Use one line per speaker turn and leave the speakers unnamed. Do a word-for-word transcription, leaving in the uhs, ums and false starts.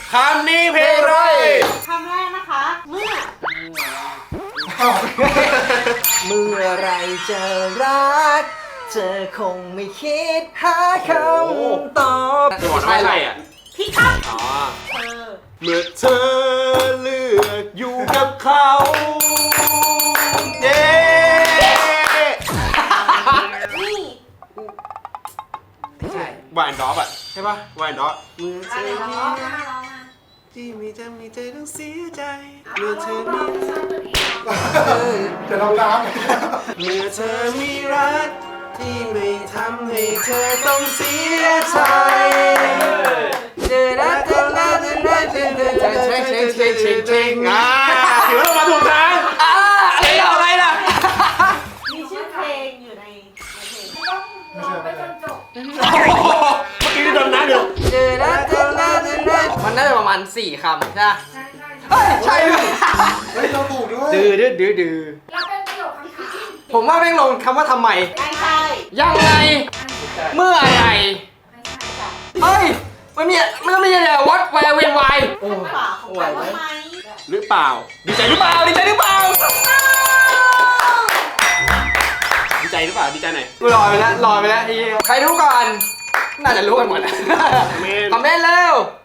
คำนี้เพลงอะไร
คำแรกนะคะ เมื่อ
เมื่อไรจะรักเธอคงไม่คิดหาคำตอบ
จะบอกนะไม่ใช่อ่ะ
พี่ครับ
อ๋อ
เธอ
เมื่อเธอเลือกอยู่กับเขาเย้
นี่
ใช่
วายแอนด์ดอฟอ่ะใช่ป่ะวายแอนด์ดอฟเมื่อเธ
อะไร
อ
ร้
มี
อง
รั
มาก ร้องมา
ที่มีจะมีใจต้องเสียใจ
เมื่
เมื่
อ
อ
เธ
เธ
อ
อ
มี
มี
จะลองน้ำ
เมื่อเธอมีรักที่ไม่ทำให้เธอต้องเสียใจ
เจอแล้วเจอแล้วเจอแล้วเจอแล้วเจอแล้วเช็คเช็คเช็คเช็คเช็ค
อ่าถือว่าเรามาถูกทาง
อ่าอะไรล่ะอะไรล่ะ
มีชื่อเพลงอยู่ในในเพลง
ไม่ใช่ไม่ใช่
โอ้โหเมื่อกี้ที่โดนน้ำเดียว
เจอแล้วเจอแล้วเจอแล้วมันน่าจะประมาณสี่คำใช่ไหมเฮ้ยใช่ด้วย
เฮ้ยเราถูกด้วย
ดื้อดื้อดื้อดื้อ
เราเป็นประโยคคำถาม
ผมว่าแม่งลงคำว่าทำไม
ไม่ใช่
ยังไง เมื่อไหร
ไม่ใช่ค่ะ
เฮ้ย มันมีมันต้องมีอะไรวัดแวร์เวนไว
คำฝาของคำว่าไหม
หรือเปล่า ดีใจหรือเปล่า ดีใจหรือเปล่า ดีใจหรือเปล่า ดีใจหน่อย
กูลอยไปแล้วลอยไปแล้วไอ้เหี้ยใครรู้ก่อน น่าจะรู้กันหมด
เมน
คอมเมนต์เร็ว